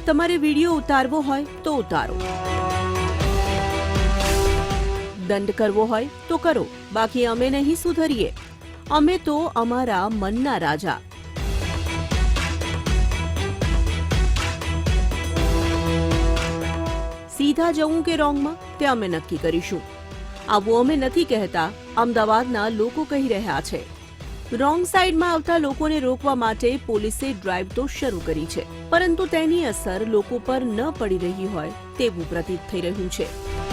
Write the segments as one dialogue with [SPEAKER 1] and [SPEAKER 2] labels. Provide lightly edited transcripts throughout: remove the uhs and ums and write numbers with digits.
[SPEAKER 1] તમારે વિડીયો ઉતારવો હોય તો ઉતારો, દંડ કરવો હોય તો કરો, બાકી અમે નહીં સુધરીએ. અમે તો અમારા મનના રાજા. સીધા જવું કે રોંગમાં તે અમે નક્કી કરીશું. આવું અમે નથી કહેતા, અમદાવાદના લોકો કહી રહ્યા છે. રોંગ સાઈડમાં આવતા લોકોને રોકવા માટે પોલીસે ડ્રાઈવ તો શરૂ કરી છે, પરંતુ તેની અસર લોકો પર ન પડી રહી હોય તેવું પ્રતીત થઈ રહ્યું છે.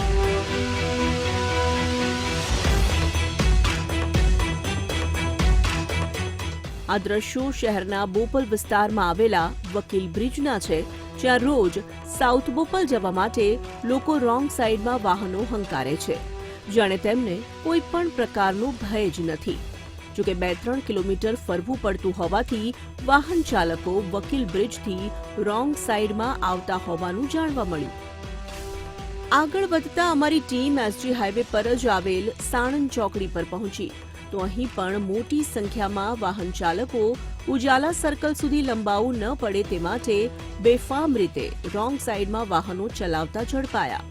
[SPEAKER 1] આ દ્રશ્યો શહેરના બોપલ વિસ્તારમાં આવેલા વકીલ બ્રિજના છે, જ્યાં રોજ સાઉથ બોપલ જવા માટે લોકો રોંગ સાઈડમાં વાહનો હંકારે છે, જાણે તેમને કોઈ પણ પ્રકારનો ભય જ નથી. જોકે 2-3 કિલોમીટર ફરવું પડતું હોવાથી વાહન ચાલકો વકીલ બ્રિજથી રોંગ સાઈડમાં આવતા હોવાનું જાણવા મળ્યું. આગળ વધતા અમારી ટીમ એસજી હાઈવે પર જ આવેલ સાણંદ ચોકડી પર પહોંચી તો અહીં પણ મોટી સંખ્યામાં વાહન ચાલકો ઉજાલા સર્કલ સુધી લંબાવું ન પડે તે માટે બેફામ રીતે રોંગ સાઈડમાં વાહનો ચલાવતા ઝડપાયા.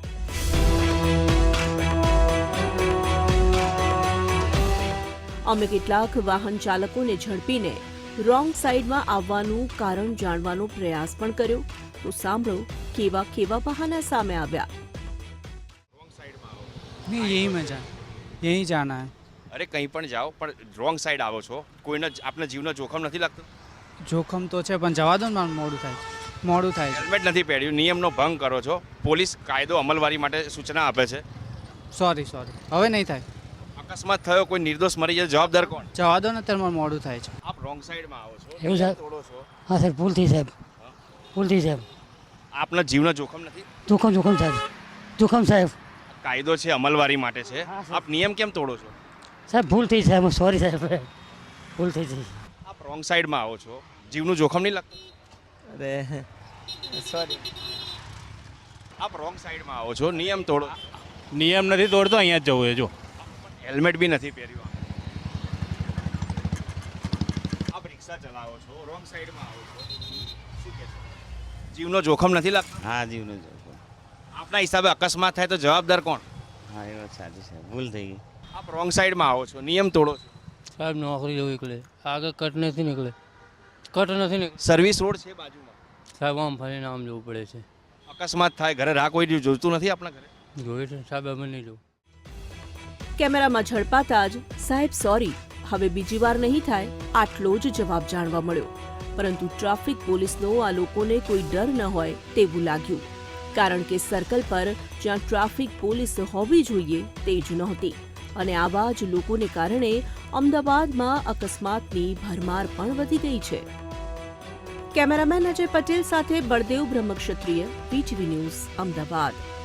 [SPEAKER 1] અમે કેટલાક વાહન ચાલકોને ઝડપીને રોંગ સાઈડમાં આવવાનું કારણ જાણવાનો પ્રયાસ પણ કર્યો, તો સાંભળો કેવા કેવા બહાના સામે આવ્યા.
[SPEAKER 2] नहीं यही में जा यही जाना है.
[SPEAKER 3] અરે કંઈ પણ જાઓ પણ રોંગ સાઈડ આવો છો, કોઈને આપના જીવનો જોખમ નથી લાગતો?
[SPEAKER 2] જોખમ તો છે પણ જવા દો ને, મારું મોડું થાય છે.
[SPEAKER 3] હેલ્મેટ નથી પહેર્યું, નિયમનો ભંગ કરો છો, પોલીસ કાયદો અમલવારી માટે સૂચના આપે છે.
[SPEAKER 2] સોરી હવે નહીં થાય.
[SPEAKER 3] અકસ્માત થયો, કોઈ નિર્દોષ મરી જાય, જવાબદાર કોણ?
[SPEAKER 2] જવા દો ને, અત્યારે મારું મોડું થાય છે.
[SPEAKER 3] આપ રોંગ સાઈડમાં આવો છો,
[SPEAKER 4] એવું સાહેબ?
[SPEAKER 3] તોડો છો.
[SPEAKER 4] હા સાહેબ, ભૂલથી સાહેબ, ભૂલથી સાહેબ.
[SPEAKER 3] આપના જીવનો જોખમ નથી?
[SPEAKER 4] જોખમ સાહેબ, જોખમ સાહેબ.
[SPEAKER 3] કાયદો છે, અમલવારી માટે છે,
[SPEAKER 4] હા, સાહેબ.
[SPEAKER 3] આપ નિયમ કેમ તોડો છો?
[SPEAKER 4] સાહેબ ભૂલથી સાહેબ, સોરી સાહેબ, ભૂલથી છે.
[SPEAKER 3] આપ રોંગ સાઈડમાં આવો છો, જીવનું જોખમ નહીં લાગતું?
[SPEAKER 5] અરે સોરી.
[SPEAKER 3] આપ રોંગ સાઈડમાં આવો છો, નિયમ તોડો છો.
[SPEAKER 6] નિયમ નથી તોડતો, અહીંયા જ જવું છે. જો
[SPEAKER 3] હેલ્મેટ બી નથી પહેર્યું. આપ રિક્ષા ચલાવો છો, રોંગ સાઈડમાં આવો છો, શું કહેશો? જીવનો જોખમ નથી લાગતો?
[SPEAKER 5] હા જીવનું જોખમ.
[SPEAKER 3] આપના હિસાબે અકસ્માત થાય તો જવાબદાર કોણ?
[SPEAKER 5] હા એ વાત સાચી છે, ભૂલ થઈ ગઈ.
[SPEAKER 3] આપ રોંગ સાઈડમાં આવો છો, નિયમ તોડો છો.
[SPEAKER 7] સાહેબ નોકરી જવું નીકળે, આગળ કટ નથી નીકળે.
[SPEAKER 3] સર્વિસ રોડ છે બાજુમાં,
[SPEAKER 7] સાહેબ આમ ફરીને આમ જવું પડે છે.
[SPEAKER 3] અકસ્માત થાય, ઘરે રાહ કોઈ જોતું નથી આપણા ઘરે?
[SPEAKER 7] જોયું છે સાહેબ, અમે નહીં જવું.
[SPEAKER 1] કેમેરામાં ઝડપાતા જ સાહેબ સોરી, હવે બીજી વાર નહીં થાય, આટલો જ જવાબ જાણવા મળ્યો. પરંતુ ટ્રાફિક પોલીસનો આ લોકોને કોઈ ડર ન હોય તેવું લાગ્યું, કારણ કે સર્કલ પર જ્યાં ટ્રાફિક પોલીસ હોવી જોઈએ તે જ નહોતી, અને આવા જ લોકોને કારણે અમદાવાદમાં અકસ્માતની ભરમાર પણ વધી ગઈ છે. કેમેરામેન અજય પટેલ સાથે બળદેવ બ્રહ્મક્ષત્રિય, વીટીવી ન્યૂઝ, અમદાવાદ.